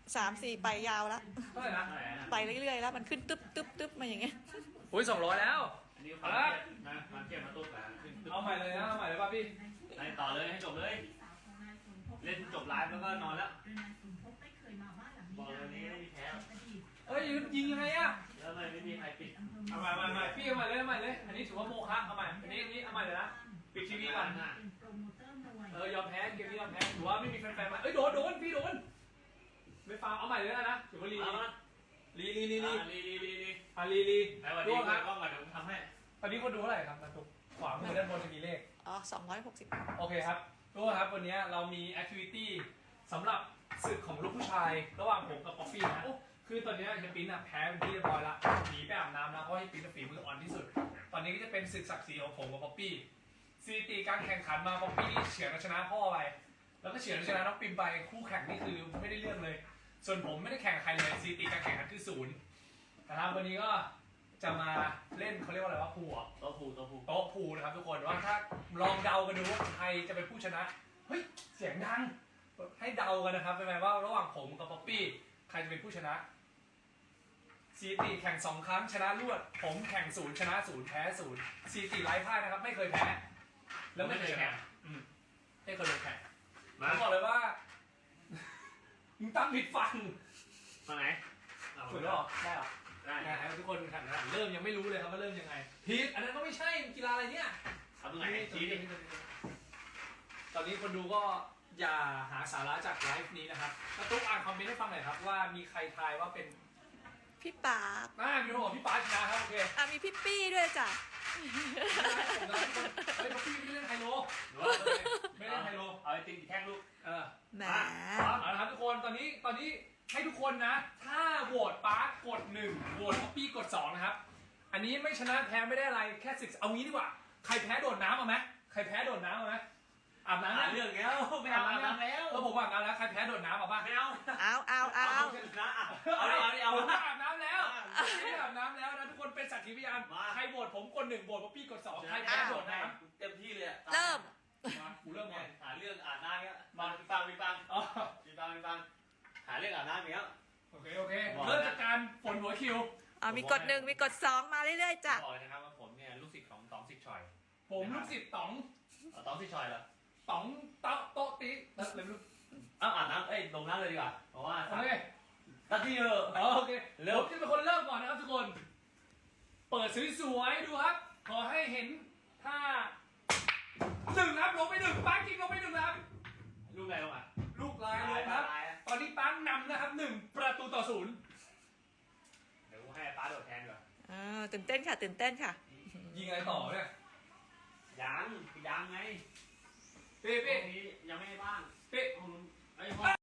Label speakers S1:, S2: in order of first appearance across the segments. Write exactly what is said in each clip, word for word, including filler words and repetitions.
S1: สามสี่ไปยาวแล้ว
S2: เท่าไหร่นะ
S1: ไปเรื่อยๆแล้วมันขึ้นตึ๊บตึ๊บตึ๊บมาอย่างเงี้ย
S2: อุ้ยสองร้อยแล้ว
S3: อันนี้ความเครียดนะความเครียดมาตุ๊กแล้วขึ้นตึ๊บ
S2: เอาใหม่เลยนะเอาใหม่เลยป่ะพี่
S3: ไล่ต่อเลยให้จบเลย เล่นจบไลฟ์แล้วก็นอนแล้วบอกเลยนี้ไม่มีแพ้
S2: เอ้ยยิงยังไงอะ
S3: แล้วไม่ไม่มีใครปิด
S2: เอาใหม่ใหม่พี่เอาใหม่เลยเอาใหม่เลยอันนี้ถือว่าโมฆะเอาใหม่อันนี้อันนี้เอาใหม่เลยนะปิดทีวีก่อน เออยอมแพ้เกมนี้ยอมแพ้ถือว่าไม่มีแฟนๆมาเอ้ยโดนโดนพี่โดนไม่ฟาวเอาใหม่เลยนะถือว่าลีลีลีลีลี
S3: ลีลีลีลี
S2: อ่ะลีลี
S3: แล้ววัน
S2: ดู
S3: นี้
S2: ครับ
S3: ก็มาเดี๋ยวทำให้
S2: ตอนนี้คนดูเท่าไหร่ครับนะทุกขวามือด้านบนจะมีเลข
S1: อ๋อสองร้อยหกสิบ
S2: โอเคครับทุกคนครับวันนี้เรามีแอคทิวิตี้สำหรับศึกของลูกผู้ชายระหว่างผมกับป๊อปปี้นะคือตอนนี้เฮยปิ้นอะแพ้เป็นที่เรียบร้อยละหนีไปอาบน้ำนะเพราะเฮยปิ้นฝีมืออ่อนที่สุดตอนนี้ก็จะเป็นศึกศักดิ์ศรีของผมกับป๊อปปี้สถิติการแข่งขันมาป๊อปปี้เฉือนชนะพ่อไปแล้วก็เฉือนชนะน้องปิมไปคู่แข่งนี่คือไม่ได้เรื่องเลย ส่วนผมไม่ได้แข่งกับใครเลยสถิติการแข่งขันคือศูนย์นะครับวันนี้ก็จะมาเล่นเขาเรียกว่าอะไรว่าพูอ่ะ
S3: โต๊ะผูโต๊ะผู
S2: โต๊ะพูนะครับทุกคนว่าถ้าลองเดากันดูว่าใครจะเป็นผู้ชนะเฮ้ยเสียงดังให้เดากันนะครับเป็นไงว่าระหว่างผมกับป๊อปปี้ใครจะเป็นผู้ชนะสถิติแข่งสองครั้งชนะรวดผมแข่งศูนย์ชนะศูนย์แพ้ศูนย์สถิติไร้พ่ายนะครับไม่เคยแพ้แล้วไม่เคยชนะอืมไม่เคยลงแข่งผ
S3: มาม
S2: บอกเลยว่ามึงตั้งผิดฟัง
S3: มาไหน
S2: ถูกแล้วหรอได้หรอ
S3: ได้
S2: ได้ครับทุกคนแข่งขันเริ่มยังไม่รู้เลยครับว่าเริ่มยังไงผิดอันนั้นก็ไม่ใช่กีฬาอะไรเนี่ย
S3: เอาตรงไหนชี้ดิ
S2: ตอนนี้คนดูก็อย่าหาสาระจากไลฟ์นี้นะครับกระตุ๊กอ่านคอมเมนต์ให้ฟังหน่อยครับว่ามีใครทายว่าเป็น
S1: พี่ปาก
S2: น่ามีคนบอกพี่ปาชนะครับโอเค
S1: อ่ะมีพี่ปี้ด้วยจ้ะ
S2: ผมนะทุกคนเฮ้ยพี่ไม่เล่นไฮโลไม่เล่นไฮโล
S3: เอาไอติมกี่แท่งลูก
S2: เออ
S1: แหม
S2: เอาละครับทุกคนตอนนี้ตอนนี้ให้ทุกคนนะ ถ้าโหวตปาร์กกดหนึ่งโหวตป๊อปปี้กดสองนะครับอันนี้ไม่ชนะแพ้ไม่ได้อะไรแค่ศึกเอางี้ดีกว่าใครแพ้โดดน้ำเอาไหมใครแพ้โดดน้ำเอาไหมอาบน้ำ
S3: หาเรื่องแล้วไม่อาบน้ำแล้ว
S2: เออผมอาบน้ำแล้วใครแพ้โดดน้ำเอาป่ะ
S3: ไม่เอา
S1: เอาเอาเอา
S3: เอานะเอาเอาเอา
S2: ผมอาบน้ำแล้วผมอาบน้ำแล้วนะทุกคนเป็นสักขีพยานใครโหวตผมกดหนึ่งโหวตป๊อปปี้กดสองใครแพ้โดดน้
S3: เต็มที่เลย
S1: เริ่ม
S2: ำมากูเริ่มก่อน
S3: หาเรื่องอาบน้ำเนี้ยมาฟังไปฟัง
S2: อ๋อ
S3: ไปฟังไปฟังหาเรื่องอาบน้ำเนี้ย
S2: โอเคโอเคเริ่มจากการฝนหัวคิว
S1: อ่ะมีกดหนึ่งมีกดสองมาเรื่อยๆจ้ะ
S3: บอกเลยนะครับว่าผมเนี่ยลูกศิษย์ของต๋องสิทธิ์ชอย
S2: ผมลูกศิษย์ต๋อง
S3: ต๋องสิทธิ์ชอยเหรอ
S2: ต๋องโต๊ะโต๊ะติ๊แล้วเลยไม่รู้
S3: อ้าวอาบน้ำเอ้ยลงน้ำเลยดีกว่าเพราะว่า
S2: โอเค
S3: ตัดที่เออ
S2: อ๋อโอเคผมจะเป็นคนเริ่มก่อนนะครับทุกคน เปิดสวยๆดูครับ ขอให้เห็นถ้าหนึ่งครับลงไปหนึ่งปังกิงลงไปหนึ่งนะครับ
S3: ลูกอะไรลงอ่ะ
S2: ลูกลายลงครับ ตอนนี้ปังนำนะครับหนึ่งประตูต่อศูนย์
S3: เดี๋ยวกูให้ป้าโดดแทนดีกว่า
S1: อ่าตื่นเต้นค่ะตื่นเต้นค่ะ
S2: ยิงอะไรต่อเนี่ย
S3: ยังยังไง
S2: เป๊
S3: พว
S2: เป๊
S3: กนี้ยังไม่บ้าง
S2: เป๊
S3: ไอ้พ่อ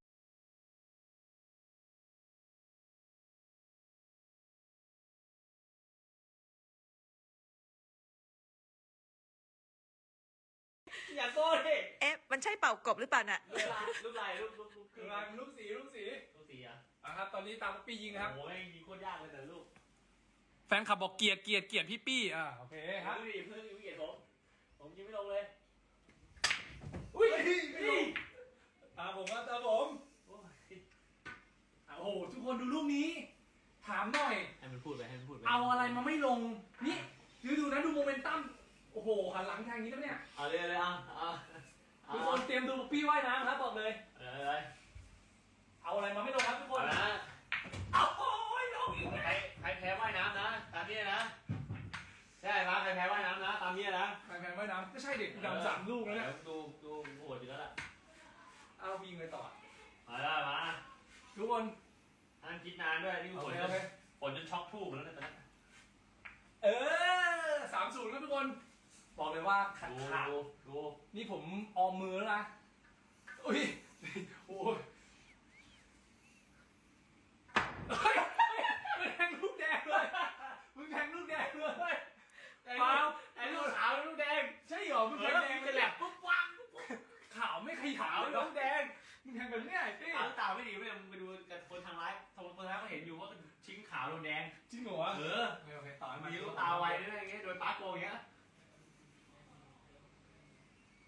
S3: อย่าโก้ดิ
S1: เอ๊ะมันใช่เป่ากบหรือเปล่าน่ะ
S3: ลูกลายลูกลายลูกลูกลูก
S2: ลูกลายลูกสีลูกสี
S3: ลูกสีอ่ะ
S2: อ่ะครับตอนนี้ตามป๊อปปี้ยิงนะครับ
S3: โอ้ยยิงโคตรยากเลยแต่ลูก
S2: แฟนคลับบอกเกลียดเกลียดเกลียดพี่ปี้อ่าโอเคครับ
S3: เพื่อนเพื่อนเกลียดผมผมยิงไม่ลงเลย
S2: อุ้ยอ่าผมว่าตาผม
S3: โอ้ย
S2: โอ้โหทุกคนดูลูกนี้ ถามหน่อย
S3: ให้มันพูดไปให้มันพูดไป
S2: เอาอะไรมาไม่ลง นี่ดูดูนะดูโมเมนตัมโอ้โหหันหลังทางนี้แล้วเนี่ย
S3: เอาเลยเลยอ่ะเอาเอา
S2: ทุกคนเตรียมดูป๊อปปี้ว่ายน้ำครับบอกเลย
S3: เออเลย
S2: เอาอะไรมาไม่ลงครับทุกค
S3: เอา
S2: น
S3: ละ
S2: เอาโอ้ยลงอีก
S3: ใครใครแพ้ว่ายน้ำนะตามนี้นะใช่ไหมใครแพ้ว่ายน้ำนะตามนี้นะ
S2: แพงๆว่ายน้ำก็ใช่เด็กดำสามลูกแล้วเนี่ย
S3: ดูดูโหดอยู่แล้วล่ะ
S2: เอายิงเลยต่อ
S3: มาแล้วมา
S2: ทุกคน
S3: อันคิดนานด้วยนี่
S2: โอ
S3: ฝน
S2: เค
S3: จ
S2: โอน เค
S3: ฝนจนช็อกทูบแล้วนะตอนนี้
S2: เออสามศูนย์ครับทุกคน บอกเลยว่าขัด
S3: ดู
S2: ขาด
S3: ดูดู
S2: นี่ผมออมมือแล้วนะอุ้ยโอ้ยเฮ้ยมึงแทงลูกแดงเลยมึงแทงลูกแดงเลย
S3: ไอ้ลูกไอ้ลูกขาวลูกแดง
S2: ใช่เหรอมึง
S3: เอ
S2: แท
S3: อง
S2: แดง
S3: จะแหลกปุ๊บปัง
S2: ขาวไม่ขยา
S3: ขาว ว
S2: เลย
S3: ลู
S2: ลู
S3: ก
S2: ก
S3: แด
S2: แด
S3: ง
S2: งมึงแทงแบบเนี้ยพี่
S3: ขาวตาไม่ดีไม่เลยมึงไปดูกับคนทางไลฟ์ทางคนไลฟ์ก็เห็นอยู่ว่าชิ้นขาวโดนแดง
S2: จริงเหรอวะ
S3: เออ
S2: โอเคโอเคต่อให้มัน
S3: มีลูกตาไวด้วยอย่างเงี้ยโดนปาร์โกอย่างเงี้ย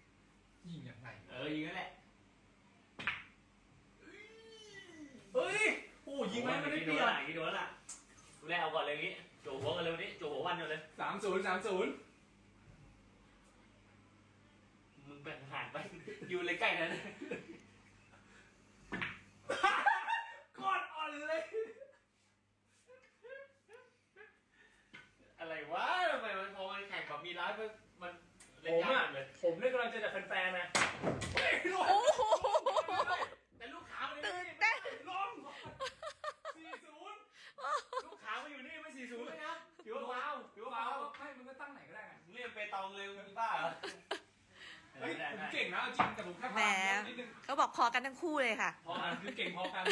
S2: ยิงยังไง
S3: เออยิงนั่นแหละ
S2: เฮ้ย
S3: โดนแล้วล่ะดูแลเอาก่อนเลยงี้โจหัวกันเลยวันนี้โจหัววันเดียวเลย
S2: สามศูนย์สามศูนย์
S3: มึงแบ่งห่างไปอยู่เลยใกล้นั้น
S2: กอดอ่อนเลย
S3: อะไรวะทำไมมันพอมันแข่งแบบมีร้านมันมัน
S2: ผ
S3: เล่น
S2: ม
S3: ยา
S2: อ่ะ
S3: กเลย
S2: ผมเนี่ยกำลังจะจัดแฟนๆนะเฮ้ยลง
S1: โอ้โห
S3: แต่ลูกขามัน
S1: ตื่นเต้น
S2: ลงสี่ศูนย์
S3: ลูกขามันอยู่นี่ไม่สี่ศูนย์เลยนะ
S2: ถือว่าเบาถือว่าเบาไม่มึงก็ตั้งไหนก็ได้ไง
S3: มึงเรียกเปตองเลยมึงบ้าเหรอ
S2: เฮ้ยผมเก่งนะจริงแต่ผมแค่
S1: แหม
S2: พลาดนิดนึง
S1: เขาบอกพอกันทั้งคู่เลยค่ะ
S2: พอกันคือเก่งพอกัน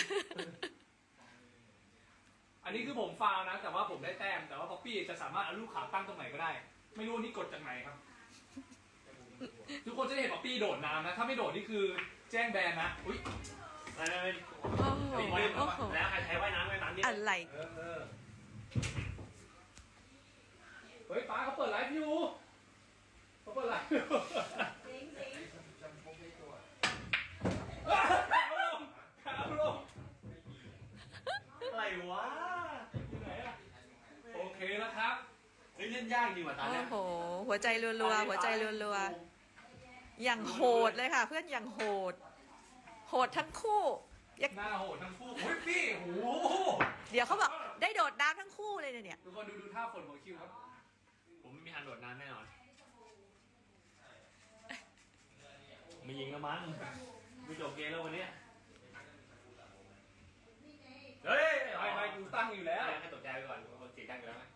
S2: อันนี้คือผมฟาวนะ แต่ว่าผมได้แต้มแต่ว่าป๊อปปี้จะสามารถเอาลูกขาตั้งตรงไหนก็ได้ ไม่รู้นี่กดจากไหนครับ ทุกคนจะได้เห็นป๊อปปี้โดดน้ำนะ ถ้าไม่โดดนี่คือแจ้งแบนนะอุ้ย
S3: ไม่ไม่ไม่
S1: โอ้โหโอ้โห
S3: แล้วใครใช้ว่ายน้ำว่ายน้ำนี่
S1: อะไร
S2: เออเออเฮ้ยป้าเขาเปิดไลฟ์อยู่เขาเปิดไลฟ์อยู่ขาลงขาลง
S3: อะไรวะ
S2: อยู่ไหนอะโอเคแล้วครับ
S3: เฮ้ยเล่นยากจริงว่ะตา
S1: โอ้
S3: เนี่ย
S1: โห หัวใจรัวๆ หัวใจรัวๆ อย่างโหดเลยค่ะ เพื่อนอย่างโหด โหดทั้งคู่ยัง
S2: หน้าโหดทั้งคู่โอ้ยพี่โอ้โห
S1: เดี๋ยวเขาบอกได้โดดน้ำทั้งคู่เลยเนี่ย
S2: ทุกคนดูดูท่าฝนของคิวครับ
S3: ผมไม่มีทางโดดน้ำแน่นอนไม่ยิงแล้วมั้งไม่จบเกมแล้ววันนี้เฮ้ย
S2: ไม่ไม่กูตั้งอยู่แล้ว
S3: ให้ตกใจไปก่อนคนเสียจังอยู่แล้วไหม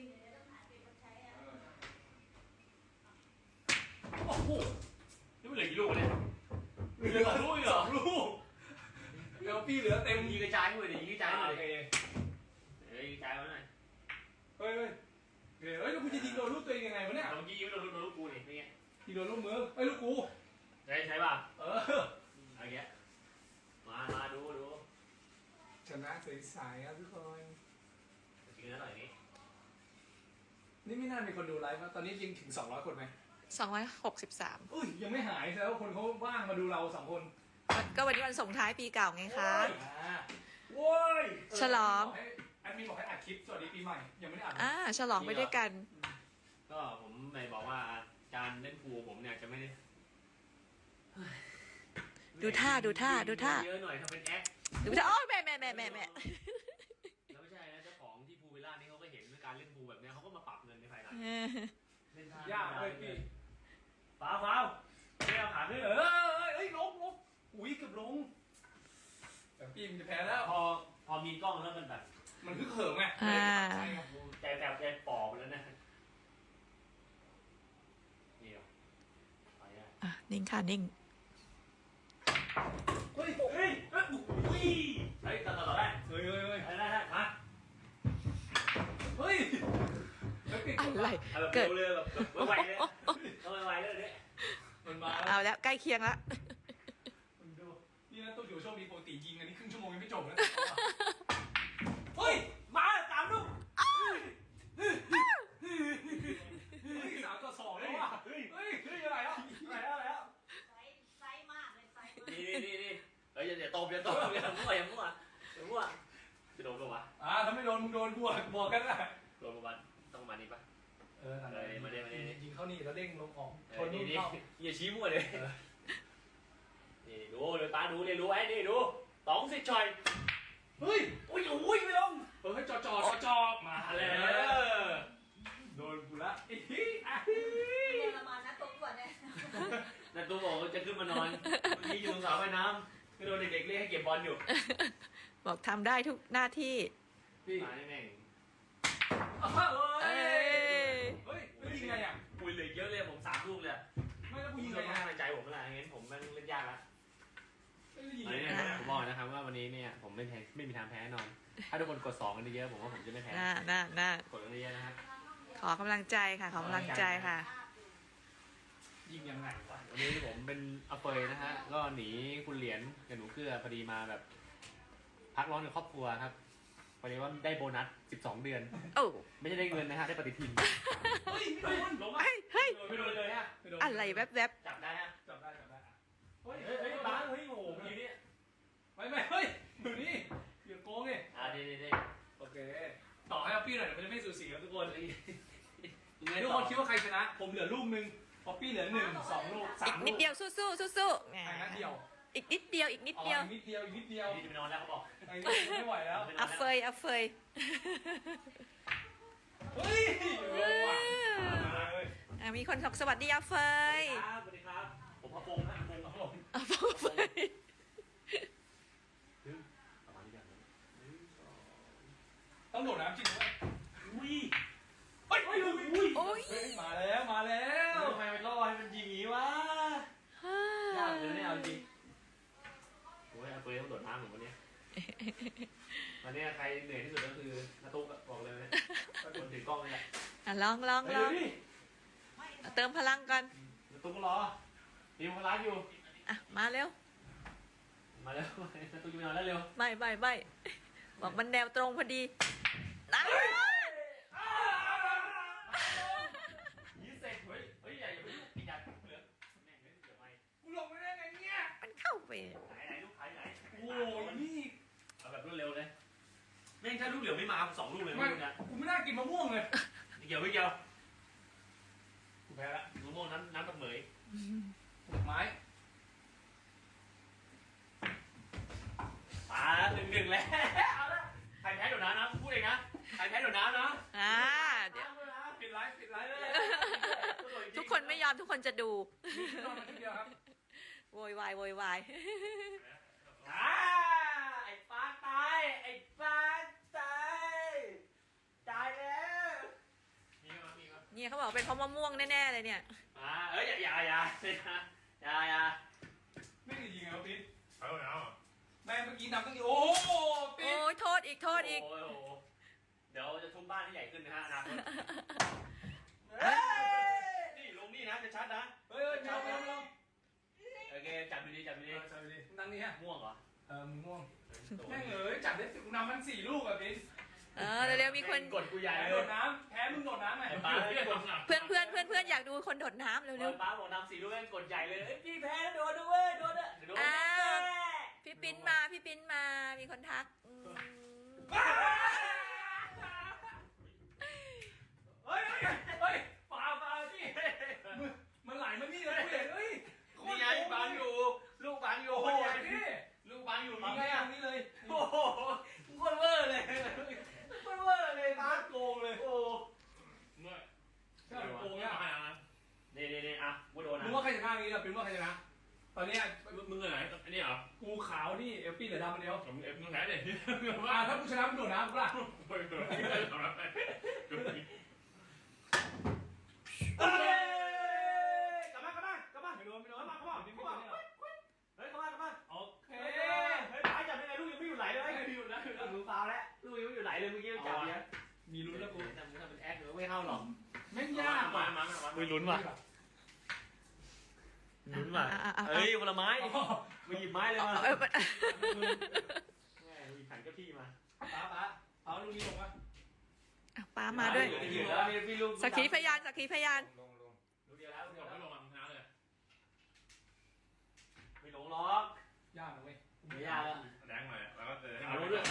S2: โอ้โห
S3: นี่มันเหลือกี่ลูกเนี่ย
S2: เหลือลูกอีกเหรอลูกเดี๋ยวพี่เหลือเต็
S3: เต็
S2: ม
S3: มยิงกระจายหมดเลยยิงกระจายหมด
S2: โอ
S3: เลย
S2: เค
S3: เฮ้ยยิงกระจายไว้หน่อย
S2: เฮ้ยเฮ้ยเฮ้ยแล้วกูจะยิงโดนลูกตัวเองยังไงวะเนี่ย
S3: เมื่อกี้ยิงไม่โดนลูกโดนลูกกูนี่เป็นไง
S2: ยิงโดนลูกมือไอ้ยลูกกู
S3: ใช่ใช่ป่ะ
S2: เออ
S3: เอาเงี้ยมามาดูดู
S2: ชนะใสๆครับทุกคน
S3: จริงนะหน่อยนี้
S2: นี่ไม่น่ามีคนดูไลฟ์นะตอนนี้ยิงถึงสองร้อยคนไหม
S1: สองร้อยหกสิบสาม
S2: อุ้ยยังไม่หายแสดงว่าคนเขาว่างมาดูเราสองคน
S1: ก็วันนี้วันส่งท้ายปีเก่าไงคะ
S2: อ่าโว้ย
S1: ฉลอง
S2: แอดมินบอกให้อัดคลิปสวัสดีปีใหม่ยังไม่ได้อัด
S1: อ่าฉลองไปด้วยกัน
S3: ก็ผมไม่บอกว่าการเล่นพูลผมเนี่ยจะไม่ได้
S1: ดูท่าดูท่าดูท่า
S3: เยอะหน่อยถ้าเป็นแอค
S1: ดูจะโอ้ยแม่แม่แม่แม่แม่
S3: แล้วไม่ใช่นะเจ้าของที่พูลวิลล่านี่เขาก็เห็นการเล่นพูลแบบเนี้ยเขาก็มาปรับเงินในภายหลัง
S1: เออ
S3: เล่นท่าย
S2: ากเลยพี่
S3: ฟ้าวฟ้าวไม่เอาขาขึ้น
S2: เอ
S3: เออ
S2: อเอ้ยลงลงอุ้ยเกือบลงแต่พี่มันจะแพ้แล้ว
S3: พอพอมีกล้องแล้วมันแบบ
S2: มันฮึกเหิมไง
S1: อ่า
S3: ใจแตบใจปอบแล้วนะนี่เหรอไปได้
S1: อ่ะนิ่งค่ะนิ่ง
S2: เฮ้ย
S3: เฮ้ยเฮ้ยอุ้ยเฮ้ยต่อต่อต่อได้
S2: เฮ้ยเฮ้ยเฮ้ย
S3: ได้ได้ได้มา
S2: เฮ้ยเฮ้ยปิด
S1: อะไร
S3: เอาแบบ
S1: เกิด
S3: เร็วๆแบบแบบไวๆเลยเอาไวๆเลยเนี่ย
S2: มันมา
S1: เอาแล้วใกล้เคียงแล้ว
S2: มันดูนี่นะตู้อยู่โชคดีปกติยิงอันนี้ครึ่งชั่วโมงยังไม่จบนะเฮ้ย
S3: มาตามลูก
S2: เฮ้ยสามต่อสองแล้วว่ะเฮ้ยเฮ้ยเฮ้ยอะไรแล้วอะไรแล้วอะไรแล้ว
S4: ไซส์ไซส์มากเลยไซส์มาก
S3: นี่นี่นี่นี่เฮ้ยอย่าอย่าตบอย่าตบอย่ามั่วอย่ามั่วอย่ามั่วจะโดนปะวะ
S2: อ่าถ้าไม่โดนมึงโดนกูอ่ะบอกกันนะ
S3: โดนปะวะต้องประมาณนี้ปะ
S2: เออ
S3: เออมาดิมาดิ
S2: ยิงเข้านี่แล้วเด้งลงออก
S3: เอ
S2: ช
S3: อน นี่
S2: นู่น
S3: นี่
S2: เข้า
S3: อย่าชี้มั่วเลยนี่ดูเดี๋ยวตาดูเดี๋ยวดูไว้นี่ดูตองสิชอย
S2: เฮ้ย
S3: อุ้ยอุ้ยไม่ลง
S2: เออให้จอจอจอจอมา
S3: มา
S2: แล้
S3: แล้ว ว
S2: โดนกูละอีฮีอ่ะ
S4: เรียนละมานะตัวอ้วนเนี่ย
S3: นั่นตัวบอกว่าจะขึ้นมานอนเมื่อกี้อยู่ตรงสระว่ายน้ำก็โดนเด็กๆเรียกให้เก็บบอลอยู่
S1: บอกทำได้ทุกหน้าที่
S2: พี่
S3: มาแม่ง
S2: เฮ้
S1: เอ้
S2: ย
S1: ย
S2: เฮ้ยไม่ยิงไงอ่ะ
S3: ปุยเหลือเยอะเลยผมสามลูกเลย
S2: ไม่แล้วกู
S3: ยิ
S2: ยิ
S3: ง
S2: ง
S3: เล
S2: ไง
S3: ย
S2: อ่ะ
S3: ในใจผมเวลางั้นผมแม่งเล่นยากละ
S2: ไม่ได้ยิง
S3: อันนี้
S2: ไง
S3: เนี่ย
S2: อ่ะ
S3: ผมบอกนะครับว่าวันนี้เนี่ยผมไม่แพ้ไม่มีทางแพ้แน่นอน ถ้าทุกคนกดสองกันเยอะผมว่าผมจะไม่แพ้
S1: น่าน่าน่าก
S3: ดกันเยอะนะครับ
S1: ขอกำลังใจค่ะ ขอกำลังใจค่ะ
S2: ยิงยังไงวะ
S3: วันนี้ผมเป็นอเฟยนะฮะก็หนีคุณเหรียญกับหนูเกลือพอดีมาแบบ พักร้อนกับครอบครัวครับพอดีว่าได้โบนัสสิบสองเดือน
S1: โอ้
S3: ไม่ใช่ได้เงินนะฮะได้ปฏิทิน
S2: เฮ้ยไม่โดนลงอ่ะ
S1: เฮ้ยเฮ้ย
S3: ไม่โดนเลยฮะ
S2: ม่โดน
S1: อะไรแวบ
S3: จับได้ฮะ
S2: จับได้จับได้อ่ะเฮ้ย
S3: เฮ้ยเฮ้ยบ้าสเฮ้ยโอ้โหอยู่นี่
S2: ไม่ไม่เฮ้ยอยู่นี่อย่าโกงไง
S3: อ่าดีดีดีโอเค
S2: ต่อให้ป๊อปปี้หน่อยเดี๋ยวมันจะไม่สูสีครับทุกคน
S3: ไง
S2: ทุก
S3: ต่
S2: ค
S3: อน
S2: คิดว่าใครชนะ ผมเหลือลูกหนึ่งป๊อปปี้เหลือหนึ่งสองลูกสา
S1: อี
S2: ม
S1: ก
S2: ลู
S1: นิด
S2: ก
S1: เดียวสู้สู้สู้สู้ๆแหม
S2: ไอ้นัดเดียว
S1: อีกนิดเดียวอีกนิด
S2: อ๋อ
S1: เดียว
S2: อีกนิดเดียวอีกนิดเดียว
S3: นี่จะไปนอนแล้วเขาบอก
S2: ไอ้นี่ไม่ไหวแล้ว
S1: อัฟเฟยอัฟเฟย
S2: เฮ้ยเร็วว่ะมาเลย
S1: อ่ะมีคนบอกสวัสดีอัฟเฟย
S3: ครับสวัสดีครับ ผมพระพงษ์นะพงษ์ครับผม
S1: อัฟเฟย
S3: ประมาณนี้กัน
S2: ต้องโดดน้ำจริงด้วย
S3: อุ้ย
S2: เฮ้ยเฮ้ยเฮ้ยเฮ้ย
S1: โอ้ย
S2: เฮ้ยมาแล้วมาแล้ว
S3: ทำไมมันล่อให้มันยิงอย่างนี้วะยากเลยเนี่ยเอาจริงโอ้ยเอาเฟยต้องโดดน้ำเหมือนวันนี้วันนี้ใครเหนื่อยที่สุดก็คือนาตุ๊กอะบอกเลยนะคนถือกล้องนี่แหละ
S1: อ่ะลองลอง
S3: ไป
S1: ล
S3: ดู
S1: อง
S3: ดิ
S1: เติมพลังก่อน
S3: นาตุ๊กก็รอทีมพลังอยู่
S1: อ่ะมาเร็ว
S3: มาแล้วนาตุ๊กจะไปนอนแล้วเร็ว
S1: ไม่ไม่ไม่บอกมันแนวตรงพอดีนะ
S3: ยี่เสร็จเฮ้ยเฮ้ยอย่าอย่าไปยุ่งอีกอย่างเหลือแม่งไม่เหลือไม่
S2: กูหลงไปได้ไงเนี่ย
S1: มันเข้าไป
S3: ไหนไหนลูกขายไหน
S2: โอ้ยนี่
S3: เอาแบบรวดเร็วเลยแม่งถ้าลูกเหลือไม่มาสองลูกเลย
S2: ไม่
S3: ลูกนะ
S2: กูไม่น่ากินมะม่วงเลย
S3: ไม่เกี่ยวไม่เกี่ยว
S2: กูแพ้ละ
S3: มะม่วงน้ำน้ำตะเหมย
S2: ไม้
S3: อ่าหนึ่งหนึ่งแล้วเอาละใครแพ้โดดน้ำนะพูดเองนะใครแพ้โดดน้ำนะ
S1: อ่าเดี๋ยว
S2: ปิดไลฟ์ปิดไลฟ์เลย
S1: ทุกคนไม่ยอมทุกคนจะดู
S2: นอนมาทีเดียวครับ
S1: โวยวายโวยวาย
S3: อ่าไอ้ปลาตายไอ้ปลาตายตายแล้วมีมั้ยมีมั้ย
S1: เนี่ยเขาบอกเป็นเพราะมะม่วงแน่ๆเลยเนี่ย
S3: อ่าเอ้ยอย่าอย่าอย่าอย่าอย่า
S2: ไม่ได้ยิงเหรอปิ๊ด
S5: เอาเอา
S2: แม่เมื่อกี้นำตั้งกี่โอ้โหปิ๊
S1: โอ้
S2: ด
S1: ยโทษอีกโทษอีก
S3: โอ้โหเดี๋ยวจะทุบบ้านให้ใหญ่ขึ้นนะฮะอนาคตนี่ลงนี่นะจะชัดนะ
S2: เฮ้ยเฮ้ยไม่เอาไม่เอาไม่เอา
S3: โอเคจับดูดีจับดู
S2: เอ
S3: ดี
S2: อใช่ดินั่งนี่ฮะ
S3: ม่วงเหรอ
S2: เออมึงง่วงแม่งเอ๋ยจับได้สิบนำมันสี่ลูกอะปิ๊ด
S1: เออเร็วๆมีคน
S3: กดกูใหญ่
S2: แพ้
S3: เล
S2: โด
S3: ย
S2: ดน้ำแพ้มึงโดดน้ำไง
S3: ป้าเนี่ยกด
S1: เพื่อนเพื่อนเพื่อนเพื่อนอยากดูคนโดดน้ำเร็ว
S3: ป้าบอกนำสีด้วยกดใหญ่เลยพี่แพ้โดนด้วยโดนอ่ะโดน
S1: ๆพี่ปิ้นมาพี่ปิ้นมามีคนทักอืม
S2: เฮ้ยเฮ้ยเฮ้ยฝ่าฝ่าพี่มันไหลมานี่เลยกูเห็นเฮ้ย
S3: นี่ไงบางอยู่ลูกบางอยู่
S2: โอ้
S3: โอ้
S2: โห
S3: โห
S2: พี่
S3: ลูกบางอยู่
S2: มา
S3: นี่
S2: แค่
S3: ไง
S2: ตรงนี้เลย
S3: โอ้โหโคตรเวอร์เลยโคตรเวอร์เลยป้าโกงเลยโอ้
S5: เมื่อ
S2: ใช่โกงเนี่ย
S3: นี่นี่นี่อ่ะกูโดน
S2: มึ
S3: อ่ะ
S2: งว่าใครชนะนี้เราเป็นว่าใครชนะ ตอนนี้
S5: มึงเหรออันนี้เหรอ
S2: กูขาวนี่เอฟปี้เหลือดำคนเดียว
S5: ผมเอฟมึงแพ้เลย
S2: อ่าถ้ากูชนะมึงโดดน้ำกูล่ะ
S5: เฮ้ยตัวนี้เลยทำแล้วไปดูนี่
S3: เฮ้ยกลับมากลับมากลับมา
S2: ไม่โดนไม่โด
S3: กลั
S2: น
S3: บมากลับมา
S2: ไม่
S3: กลับ
S2: โด
S3: มาน เฮ้ยกลับมากลับมา
S2: โอเค
S3: เฮ้ยเฮ้ยป้าจับยังไงลูกยังไม่อยู่ไหลเลยไม่อยู่นะมือเปล่าแล้วลูกยังไม่อยู่ไหลเลยเมื่อกี้จับเนี่ย
S2: มีลุ้นแล้วกู
S3: ทำทำเป็นแอคหรือไม่เข้าหรอก
S2: แม่งยาก
S5: มา
S2: ว่ะ
S5: มามา
S3: ไม่ลุ้นว่ะลุ้นว่ะเฮ้ยผลไม้มาหยิบไม้เลยมา
S1: เออ
S3: แม่หยิบขันเก้าที่มา
S2: ป้าป้าเอาลูกนี้ลงมา
S1: อ่ะป้ามาด้วย
S3: อยู่แล้วมีพี่ลูก
S1: สักขีพยานสักขีพยาน
S5: ลงลง
S3: ลูกเดียวแล้ว
S5: ลงไม่ลงอ่ะมึงชนะเลย
S3: ไม่หลงหรอก
S2: ยากนะเว้ย
S3: ไม่ยากแล้ว
S5: แดงหน่อยแล้วก็เจอ
S3: เอาด้วย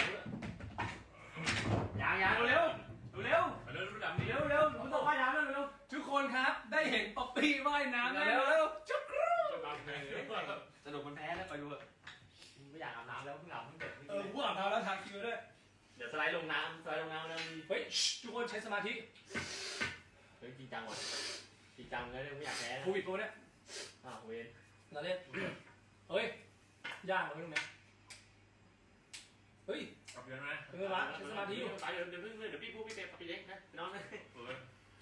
S3: ยางยางเร็วเร็ว
S5: ไปเริ่มรู้ดำนี่
S3: เร็วเร็วผมต้องว่ายน้ำเร็วเร็ว
S2: ทุกคนครับได้เห็นป๊อปปี้ว่ายน้ำแล้ว
S3: เร็ว
S2: จุ๊บ
S5: จะตามเพลงเลย
S3: สนุกมันแพ้แล้วไปดูเถอะไม่อยากอาบน้ำแล้วเพิ่งอาบเพิ่งเด็ก
S2: เออกูอาบน้ำแล้วทาคิวด้วย
S3: เดี๋ยวสไลด์ลงน้ำสไลด์ลงน้ำแล้วมี
S2: เฮ้ยทุกคนใช้สมาธิ
S3: เฮ้ยจริงจังว่ะจริงจังเลยไม่อยากแพ้
S2: โควิดโปรเนี่ย
S3: อ้าวเวน
S2: เราเล่นเฮ้ยยากเลยตรงเนี้ยเฮ้ย
S5: กลับเยอะไหม
S3: ไปเดี๋ยวเดี๋ยวเพิ่งเดี๋ยวพี่พูดพี่เป๊ปพี่เล็กนะน้องนะ
S5: เออ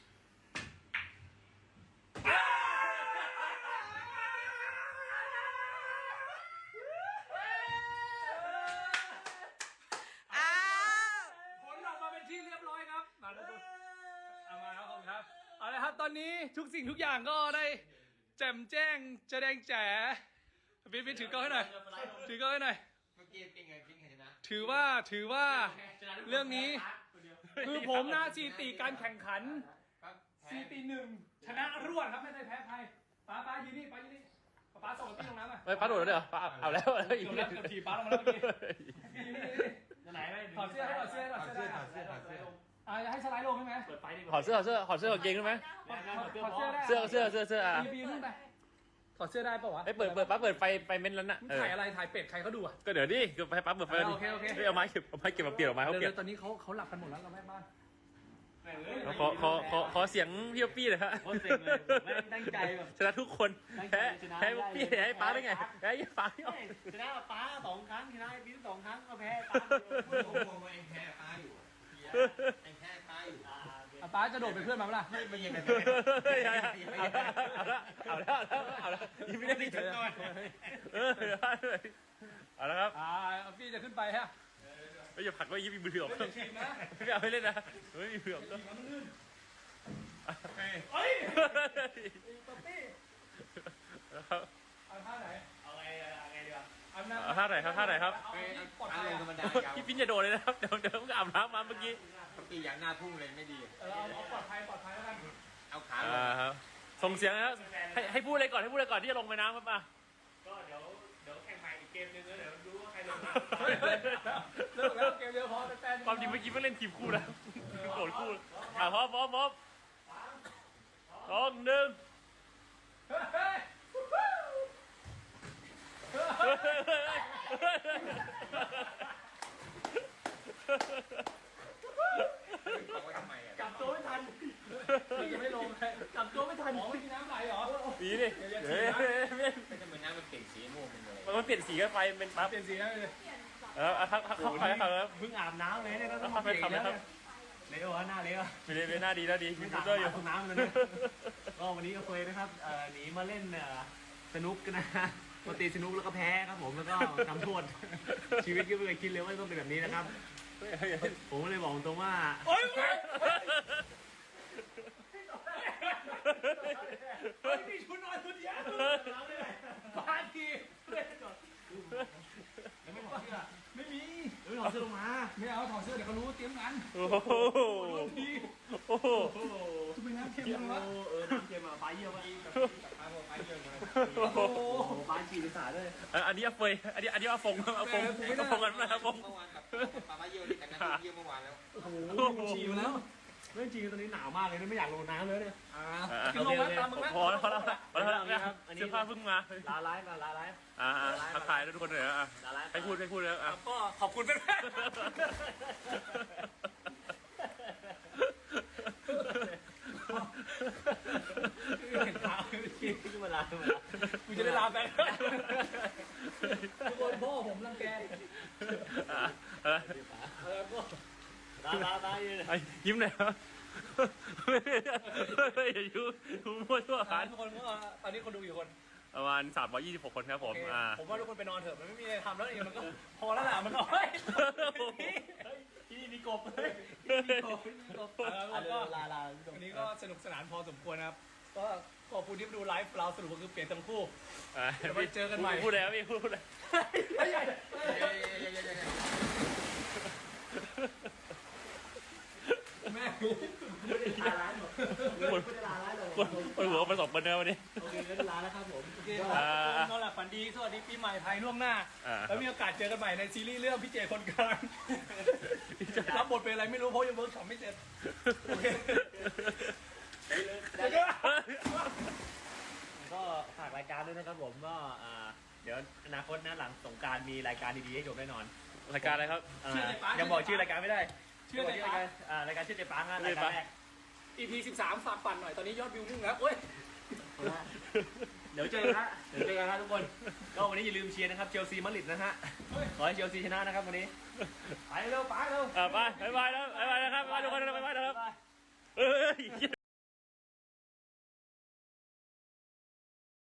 S1: อ้าว
S2: ผลออกมาเป็นที่เรียบร้อยครับมาแล้วดูเอามาแล้วขอบคุณครับเอาละครับตอนนี้ทุกสิ่งทุกอย่างก็ได้แจ่มแจ้งแสดงแจ๋บิ๊บิ๊ถือกล้องให้หน่อยถือกล้องให้หน่อย
S3: เมื่อกี้เป็นไงเป็นไงชนะ
S2: ถือว่าถือว่า เรื่องนี้ คือผมนะซีตีการแข่งขันซีตีหนึ่งชนะรวดครับไม่ได้แพ้ใครป้าป้ายืนนี่ป้ายืนนี่ป้าส่งพี่ลงน้ำอ่ะ
S3: เฮ้ยพัดโดดแล้วเดี๋ยวเอาแล้วแล้วอีก
S2: เกือบแล้วเกือบถีบป้าลงมาแล้วเมื่อกี้ยืนนี่ยืนนี่
S3: นจะไหนไหม
S2: ถอดเสื้อให้ถอดเสื้อให้ถอดเสื้อ
S6: ถอดเสื้อถอดเสื้อ
S2: อ่าจะให้สไลด์ลงใช่ไหม
S3: เปิดไฟดิ
S6: ถอดเสื้อถอดเสื้อถอดเสื้อกับเกงได้ไหม
S2: ถอดเสื้อได้
S6: เสื้อเสื้อเสื้อเสื้ออ่ะ
S2: บีบีขึ้นไปถอดเสื้อได้ปะวะ
S6: ไอ้ยเปิดเปิดปั๊บเปิดไฟไฟเม้นแล้วน่ะ
S2: มึง
S6: เออ
S2: ถ่ายอะไรถ่ายเป็ดใครเขาดูอ่ะ
S6: ก็เดี๋ยวดิก็ให้ปั๊บเปิดไฟดิ
S2: โอเคโอเค
S6: ฮ้ยเอาไม้เก็บเอาไม้เก็บมาเปลี่ยนออกมาเขาเปลี่ยน
S2: เดี๋ยวๆตอนนี้เขาเขาหลับกันหมดแล้วเราแม่บ้าน
S6: ขอขอขอขอเสียงพี่ป๊อปปี้หน่อยฮะ
S3: โคตรเซ็งเลยไม่ตั้งใจแบบ
S6: ชนะทุกคนแพ้แพ้ป๊อปปี้แพ้ให้ป้าได้ไงแพ้ให้ป้าไม่เอา
S3: ชนะป้าสองครั้งชนะไอ้บิ๊กสองครั้งก็แพ้ป้า
S6: เฮ้ย
S2: อ่ะป้าจะโดดเป็นเพื่อนมาเปล่า
S6: เอาละเอาละเอาละเอาละเอาละยิ้มไม่ได้ดีจังเลยเออเอาละครับ
S2: อ่าพี่จะขึ้นไปฮะ
S6: ไม่อย่าผลักไว้ยิ้มมีมือถือออก
S2: ไม่ได้ทีมนะ
S6: ไม่เอาไม่เล่นนะไม่มีมือถือออก
S2: ทีมมันลื่น
S6: เฮ้ย
S2: ป๊อปปี้
S6: ครับ
S2: เอาท่าไหน
S3: เอาไงเอาไงดีวะ
S2: เอาน้ำ
S6: เอาท่าไหนครับท่าไหนครับ
S2: เอาที่ปลอด
S7: อา
S2: ภัย
S7: ลงธรรม
S2: อะ
S7: ดาครับ
S6: พี่ปิ้นอย่าโดดเลยนะครับเดี๋ยวเดี๋ยวมึงอาบน้ำมาเมื่อกี้
S7: ปกติอย่างหน้าพุ่งเลยไม่ดี
S2: เออเอาเอาปลอดภัยปลอดภัยแล้วกัน
S7: เอาขาล
S6: อ่าง ครับส่งเสียงนะครับให้ให้พูดอะไรก่อนให้พูดอะไรก่อนที่จะลงไปน้ำครับมา
S3: ก็เดี๋ยวเดี๋ยวแข่งใหม่อีกเกมนึงแล้วเดี๋ยวดูว่าใครลงมา
S2: เฮ้ยเลิกแล้วเกมเดียวพอแฟนๆ
S6: ความจริงเมื่อกี้เพิ่งเล่นทีมคู่นะโกรธคู่อ่ะพร้อมพร้อมพร้อมสองหนึ่ง
S2: เฮ้ย
S7: บอกไว้ทำไมอ่ะ
S3: จับตัวไม่ทัน
S2: พี่ยังไม่ลงเลยจับตัวไม่ทันหมอไม่มีน้ำไหลเหรอ
S6: สีดิเฮ้ย
S7: ไม่ทำไมน้ำมันเปลี่ยนสีม่วงเป็นเลย
S6: มันเปลี่ยนสีกันไปเป็นปั๊บ
S2: เปลี่ยนสีได้เลย
S6: เออเข้าเข้าไปครับ
S3: เพิ่งอาบน้ำเลยเนี่ยก็ต้อง
S6: เข้า
S3: มา
S6: ไป
S3: เปลี่ยน
S6: ทำ
S3: แล้
S6: นะ
S3: ว
S6: ครับ
S3: เละวะหน้าเละวะ
S6: ไม่ได้หน้าดีหน้าดี
S3: ไม่
S6: มี
S3: ตา
S6: เตอร์อยู่
S3: ตกน้ำเลยนะก็วันนี้ก็เคยนะครับเอ่อหนีมาเล่นเอ่อสนุกกันนะมาตีสนุกแล้วก็แพ้ครับผมแล้วก็ทำโทษชีวิตก็ไม่เคยคิดเลยว่าต้องเป็นแบบนี้นะครับ ผมก็เลยบอกตรงว่า
S2: โอ๊ย เฮ้ยมีชุดนอนชุดเดียวบ้านทีเล่นก่อน
S3: ยังไม่ถอดเสื้อ
S2: ไม่มี
S3: ยังไม่ถอดเสื้อลงมา
S2: ไม่เอาถอดเสื้อเดี๋ยวเขารู้เตรียมงาน
S6: โอ้โห
S2: ที
S6: โอ้โห
S3: โอ้โห
S2: จะเป็นน้ำเค็ม
S3: เยี่ยม
S2: เลยวะ
S3: เออน้ำเค็มอ่ะปลาเยี่ยมอ่ะ
S2: โอ้โห
S3: โอ้โหปลาฉีดสาด้วย
S6: อันนี้อาเฟยอันนี้อันนี้อาฟงอาฟงอาฟงกันนะครับฟง
S7: เมื่อวานกับปลามาเยี่ยวนี่แต่น้ำเยี่ยวเมื่อวานแล้ว
S3: โอ้โหฉีดมาแล้วเรื่องจริงตอนนี้หนาวมากเลยนะไม่อยากลงน้ำเลยเนี่ย
S2: อ่ากินลงไหมตามมึงไหม
S6: พอแล้วพอแล้วพอแล้วเสื้อผ้าเพิ่งมา
S3: ลาไลฟ์มาลาไลฟ์
S6: อ่าทักทายทุกคนเลยอ่ะ
S3: ลาไลฟ์
S6: ให้พูดให้พูดแล้วอ่ะ
S2: ก็ขอบคุณแฟน
S3: เห็นขาขี้ขึ้นมาลาขึ้นมาลา
S2: ๆกูจะได้ลาแฟนทุกคนพ่อผมรังแก
S6: อ่ะ
S3: ลาลาลาอยู่
S6: ยิ้มหน่อยครับอย่ายุ่งมั่วทั่วผ่าน
S2: ทุกคนก็ตอนนี้คนดูอยู่คน
S6: ประมาณสามร้อยยี่สิบหกคนครับผมอ่า
S2: ผมว่าทุกคนไปนอนเถอะมันไม่มีอะไรทำแล้วเองมันก็พอแล้วแหละมันก็เฮ้ย
S3: ที่นี่มีกบเลยมีกบมีกบ
S2: แล้วก็
S3: ลาลา
S2: วันนี้ก็สนุกสนานพอสมควรนะครับ ก็ขอบคุณที่มาดูไลฟ์เราสรุปก็คือเปลี่ยนทั้งคู่ เดี๋ยวไปเจอกันใหม่
S6: พูดแล้วพี่พูดแล้ว
S2: แม่
S3: ลาร้านหมดไม่ได้ลาร้านหรอก
S6: คนคนหัวไปสองคนนะวันนี้
S3: โอเคก็ลาแล้วครับผม
S2: โอเคครับนอนหลับฝันดีสวัสดีปีใหม่ไทยล่วงหน้า
S6: อ่า
S2: แล้วมีโอกาสเจอกันใหม่ในซีรีส์เรื่องพี่เจคนกลางรับบทเป็นอะไรไม่รู้เพราะยังเวิร์กช็อปไม่เสร็จโอเค
S3: ก็ฝากรายการด้วยนะครับผมก็อ่าเดี๋ยวอนาคตนะหลังสงกรารมีรายการดีๆให้ชมแน่นอน
S6: รายการอะไรครับ
S3: อ่ายังบอกชื่อรายการไม่ได้
S2: ชื่ออะไร
S3: รายการอ่ารายการชื่อเจ๊ปังอ่ะรายการแรก
S2: อีพีสิบสามฝากปั่นหน่อยตอนนี้ยอดวิวพุ่งแล้วโอ้ย
S3: เดี๋ยวเจอกันฮะเดี๋ยวเจอกันฮะทุกคน ก็วันนี้อย่าลืมเชียร์นะครับเชลซีมาดริดนะฮะขอให้เชลซีชนะนะครับวันนี้ไปเร็วไปเร็ว
S6: อ่าไปบายบายแล้วบายบายนะครับบายบายทุกคนนะบายบายนะครับเอ้ย